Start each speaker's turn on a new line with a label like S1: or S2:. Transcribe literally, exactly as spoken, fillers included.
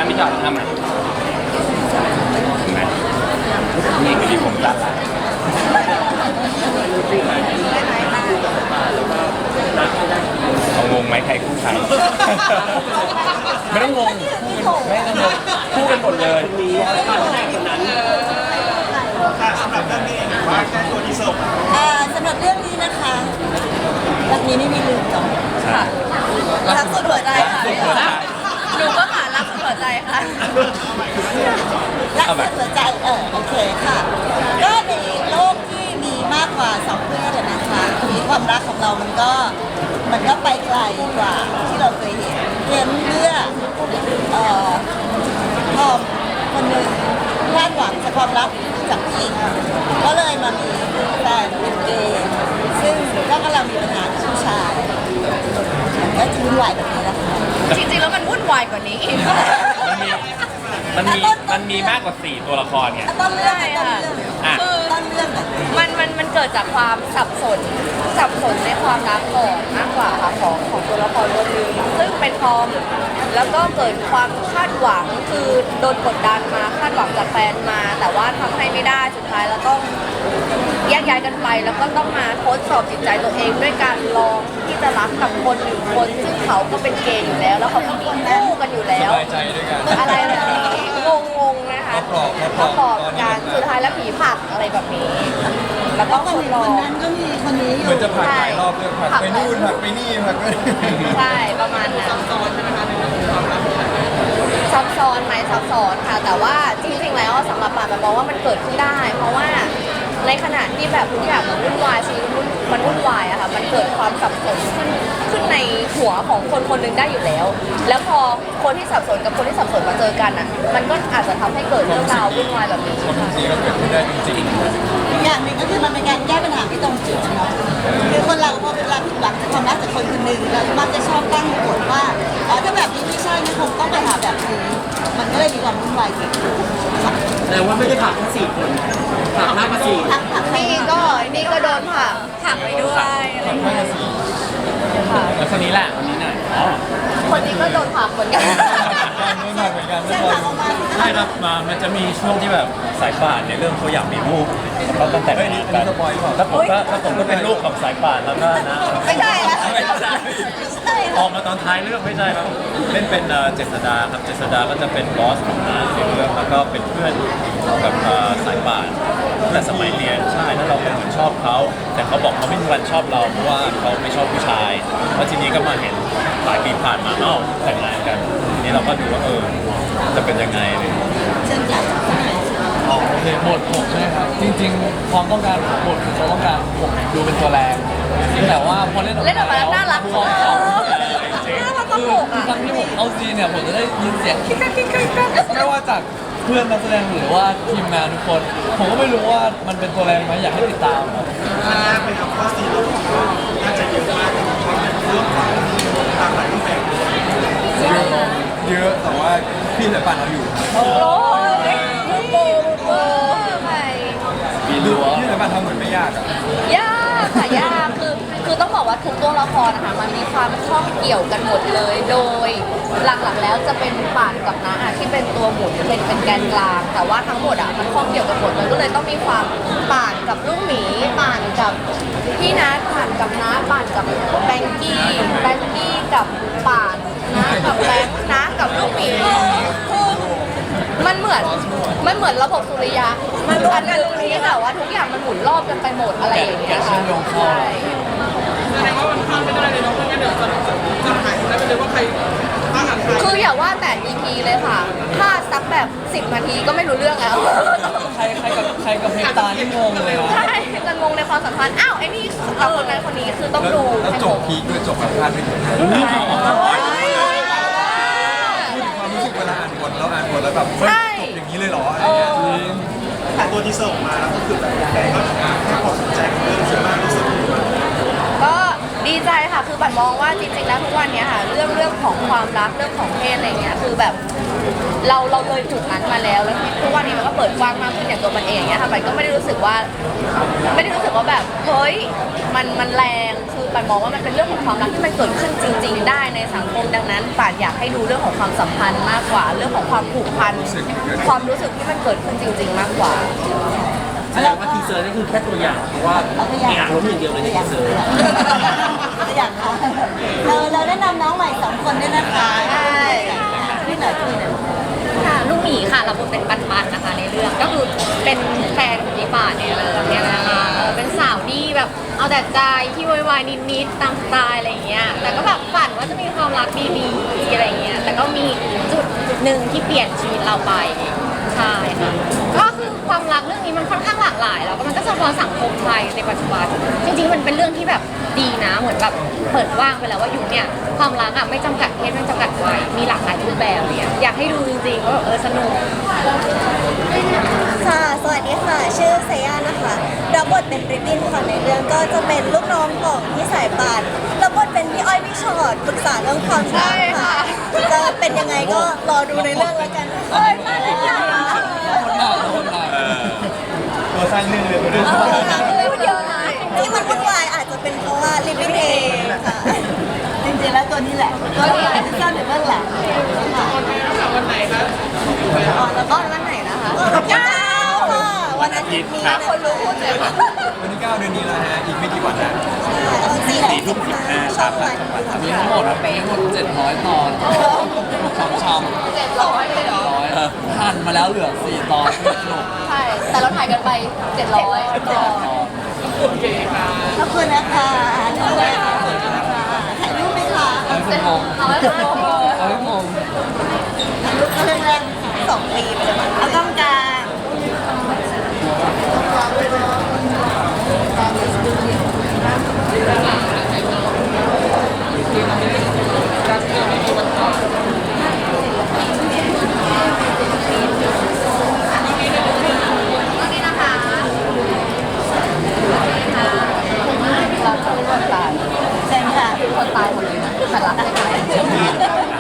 S1: พี่จอยทำไหมนี่คือที่ผมตัดเอางงไหมใครคู่ใครไม่ต้องงงไม่ต้องงงคู่กันหมดเลย
S2: สำหรับเรื่องนี้ว่าแค่ตัวที่ส่ง
S3: สำหรับเรื่องนี้นะคะรักนี้ไม่มีลืมจบค่ะรักสุดหัวใจค่ะหนูก็ค่ะรักสุดหัวใจค่ะรักสุดหัวใจเออโอเคค่ะก็ในโลกที่มีมากกว่าสองเพศนะคะมีความรักของเรามันก็มันก็ไปไกลกว่าที่เราเคยเห็นเพียงเพื่อเอ่อพอคนหนึ่งคาดหวังจากความรักจากผู้หญิงก็เลยมามีแฟนเป็นเกย์ซึ่งก็กำลังมีปัญหากับผู้ชายก็จะวุ่นวายแบบนี้นะคะ
S4: จริงๆแล้วมันวุ่นวายกว่านี้อีก
S1: มันมีมันมีมากกว่าสี่ตัวละครไง
S3: ต้นเรื่องค่ะ
S4: คือ
S3: ต้นเรื่อง
S4: มันมันมันเกิดจากความสับสนสับสนในความรักก่อนมากกว่าค่ะของของตัวละครคนหนึ่งซึ่งเป็นทอมแล้วก็เกิดความคาดหวังคือโดนกดดันมาคาดหวังจากแฟนมาแต่ว่าทำให้ไม่ได้สุดท้ายแล้วต้องแยกย้ายกันไปแล้วก็ต้องมาทดสอบจิตใจตัวเองด้วยการลองที่จะรักกับคนหนึ่งคนซึ่งเขาก็เป็นเกย์อยู่แล้วแล้วเขาก็มีคู่กันอยู่แล้วอะไรแบบนี้งงๆนะคะประกอบการสุดท้ายแล้วผีผักอะไรแบบนี้แล้วก็คนรอ
S3: คนนั้นก็มีคนนี้อยู่
S2: เหมือนจะผักหลายรอบเลยผักไปนู่นผักไปนี่ผักไป
S4: ใช่ประมาณนั้นซับซ้อนใช่ไหมคะในเรื่องความรักซับซ้อนไหมซับซ้อนค่ะแต่ว่าจริงๆแล้วสำหรับป่านมองว่ามันเกิดขึ้นได้เพราะว่าในขณะที่แบบทุกอย่างมันวุ่นวายชีวิตมันวุ่นวายอะค่ะมันเกิดความสับสนขึ้นขึ้นในหัวของคนคนหนึ่งได้อยู่แล้วแล้วพอคนที่สับสนกับคนที่สับสนมาเจอกันอะมันก็อาจจะทำให้เกิดเรื่องราววุ่นวายแบบนี้
S2: ความจริงก็เกิดขึ้นได้จริง
S3: ๆอย่างหนึ่งก็คือมันเป็นการแก้ปัญหาที่ตรงจุดเนาะคือคนเราพอเวลาผิดหวังจากความรักจากคนคนหนึ่งเรามักจะชอบตั้งกฎว่าอ๋อถ้าแบบนี้ไม่ใช่นะคงต้องไปหาแบบนี้มันก็เลยมีความวุ่นวายเกิดขึ้น
S5: แต่ว่าไม่ได้ผักแค่สี่คนผักมากกว่าสี่
S4: นี่ก็นี่ก็โดนผักผักไปด้วยอะไรอย่างเงี้ยค่ะ
S1: แล้วคนนี้แหละคนนี้หน่อยอ๋อ
S4: คนนี้ก็โดนผักเหมือนกัน
S2: ไม่ผักเหมือนกันไม่
S3: ผัก
S1: ใช่ครับมามันจะมีช่วงที่แบบสายป่านในเรื่องเขาอยากมีลูกเขาตั้งแต่
S2: งกันแล้ว
S1: ผมก็แล้วผมก็เป็นลูกของสายป่านแล้วก็นะ
S4: ไม่ใช่ละ
S1: ไม่ใช่ออกมาตอนท้ายเรื่องไม่ใช่ครับเล่นเป็นเจษดาครับเจษดาก็จะเป็นบอสของน้าในเรื่องแล้วก็เป็นเพื่อนกับสายป่านแต่สมัยเรียนใช่แล้วเราเป็นคนชอบเขาแต่เขาบอกเขาไม่มีวันชอบเราเพราะว่าเขาไม่ชอบผู้ชายแล้วทีนี้ก็มาเห็นหลายปีผ่านมาเอ้าแต่งงานกันทีนี้เราก็ดูว่าเออจะเป็นยังไงเลย
S3: เช่นกัน
S5: โอเคบทผมใช่ไหมครับจริงๆความต้องการของบทคือเขาต้องการผมดูเป็นตัวแรงแต่ว่าพอเล่นออกมา
S4: เล่นออกมาแล้วน่ารัก
S5: ของ
S4: เขา
S5: น่ารักตลกอ่ะครั้งที่ผมเอาซีเนี่ยผมจะได้ยินเสียงคิกคักคิกคักไม่ว่าจากเพื่อนนักแสดงหรือว่าทีมงานทุกคนผมก็ไม่รู้ว่ามันเป็นตัวแรงไหมอยากให้ติดตามครับ
S2: ไปทำข้อซีรีส์น่าจะเยอะมากเรื่องความตามหลายรูปแบบเยอะแต่ว่าพี่สายป่านเราอยู่
S4: โอ้ยมุกโบมุกโบใคร
S2: ดูพี่สายป่านทำเหมือนไม่ยากอ่ะ
S4: ยากค่ะยากคือคือต้องบอกว่าทุกตัวละครนะคะมันมีความข้องเกี่ยวกันหมดเลยโดยหลักๆแล้วจะเป็นป่านกับน้าที่เป็นตัวหมุนเป็นเป็นแกนกลางแต่ว่าทั้งหมดอ่ะมันข้องเกี่ยวกันหมดมันก็เลยต้องมีความป่านกับลูกหมีป่านกับพี่นัทป่านกับน้าป่านกับแบงกี้แบงกี้กับป่านน้ากับแบงค์น้ากับลูกหมีมันเหมือนมันเหมือนระบบสุริยะมันรวมกันตรงนี้แต่ว่าทุกอย่างมันหมุนรอบกันไปหมดอะไรอย่างเงี้ยค่ะใช่
S2: แสดงว่ามันพลาดไม่ได้เลยเนาะเพราะงั้นเดี๋ยวจะจะหายได้ไปเลยว่าใครบ้างอ่ะ
S4: คืออย่าว่าแต่ อี พี เลยค่ะถ้าสักแบบสิบนาทีก็ไม่รู้เรื่องแล้ว
S5: ใครใครกับใครกับเพตาที่งงเลย
S4: ใช่จะงงในความสัมพันธ์อ้าวไอ้นี่กับคนนั้นคนนี้คือต้องดู
S2: แล้วจบพีคด้วยจบแบบพลาดไม่ถึงพูดถึงความรู้สึกเวลาอ่านบทแล้วอ่านบทแล้วแบบจบอย่างนี้เลยเหรออะไรเงี้ยแต่ตัวที่ส่งมาแล้วก็คือแบบแฟนก็ให้ความสนใจกับเรื่องนี้มากรู้สึก
S4: ก็ดีใจค่ะคือบันมองว่าจริงๆแล้วทุกวันนี้ค่ะเรื่องเรื่องของความรักเรื่องของเพศอะไรเงี้ยคือแบบเราเราเลยจุดนั้นมาแล้วแล้วทุกวันนี้มันก็เปิดกว้างมากขึ้นอย่างตัวมันเองเนี้ยค่ะบันก็ไม่ได้รู้สึกว่าไม่ได้รู้สึกว่าแบบเฮ้ยมันมันแรงคือป่านมองว่ามันเป็นเรื่องของความรักที่มันเกิดขึ้นจริง ๆ ได้ในสังคมดังนั้นป่านอยากให้ดูเรื่องของความสัมพันธ์มากกว่า เรื่องของความผูกพันความรู้สึกที่มันเกิดขึ้นจริง ๆ มากกว่า
S6: แสดงว่าทีเซอร์นี่คือแค่ตัวอย่างเพราะว่ามีอารมณ์อย่างเดียวเลยในทีเซอร์
S3: ตัวอย่างค่ะเราเราแนะนำน้องใหม่สองคนด้วยนะคะใช่พี่หน่อยพี่หน่อย
S4: ค่ะลูกหมีค่ะรับบทเป็นปันปันๆนะคะในเรื่องก็คือเป็นแฟนของพี่ป่านเนี่ยเลยเนี่ยนะคะเออเป็นสาวดีแบบเอาแต่ใจที่วายๆนิดๆตามสไตล์อะไรอย่างเงี้ยแต่ก็แบบฝันว่าจะมีความรักดีๆอะไรอย่างเงี้ยแต่ก็มีจุดจุดหนึ่งที่เปลี่ยนชีวิตเราไปใช่ค่ะก็คือความรักเรื่องนี้มันค่อนข้างหลากหลายแล้วก็มันก็สะท้อนสังคมไทยในปัจจุบันจริงๆมันเป็นเรื่องที่แบบดีนะเหมือนแบบเปิดว่างไปแล้วว่ายุคเนี่ยความรักอ่ะไม่จำกัดเพศไม่จำกัดวัยมีหลากหลายรูปแบบเนี่ยอยากให้ดูจริงๆว่าแบบเออสนุก
S3: ค่ะ สวัสดีค่ะ ชื่อเซย่านะคะรับบทเป็นริบบิ้นค่ะในเรื่องก็จะเป็นลูกน้องของพี่สายป่านรับบทเป็นพี่อ้อยพี่ชอดปรึกษาเรื่องความรักค่ะ จะเป็นยังไงก็รอดูในเรื่องแล้วกันเอ้ยมาแล้ว
S5: คนหนักคนหนัก
S1: เออตัวสร้างเรื่องเลยคนนี้
S3: พูดเยอะนะที่มันวุ่นวายอาจจะเป็นเพราะว่าริบบิ้นเองค่ะจริงๆแล้วตัวนี้แหละตัวนี้แหละที่ซ่อนอยู่เบื้องหลังค่ะวันไหนคะอ๋อแล้วก็วันไหนนะคะเก้าค่ะวันอาทิตย์นี้คนรู้พูดเลยค่ะ
S2: วันที่เก้าเดือนนี้แล้วฮะอีกไม่กี่วันนะ
S3: สี่ทุ่มสิบห้าช่องวัน
S5: มีทั้งหมดมีทั้งหมดเจ็ดร้อยตอนช้ำช้ำ
S4: เจ็ดร้อยเลยเหรอ
S5: ร้อยหั่นมาแล้วเหลือสี่ตอนสนุก
S4: ใช่แต่เราถ่ายกันไปเจ็ดร้อยต่อ
S3: ขอบคุณนะคะขอบคุณค่ะถ่ายรูปไหมคะ
S5: เอาให้ผมงง
S4: เอาไว้เป็นโลโก้
S5: เอาให้งง
S3: ถ่ายรูปเรื่องแรกสองปีเลยเอาต้องการ
S4: นี่นะคะเราจะเป็นคนตาย
S3: เชิญค่ะ
S4: คนตายหมดเลยนะแต่รักได้ไหม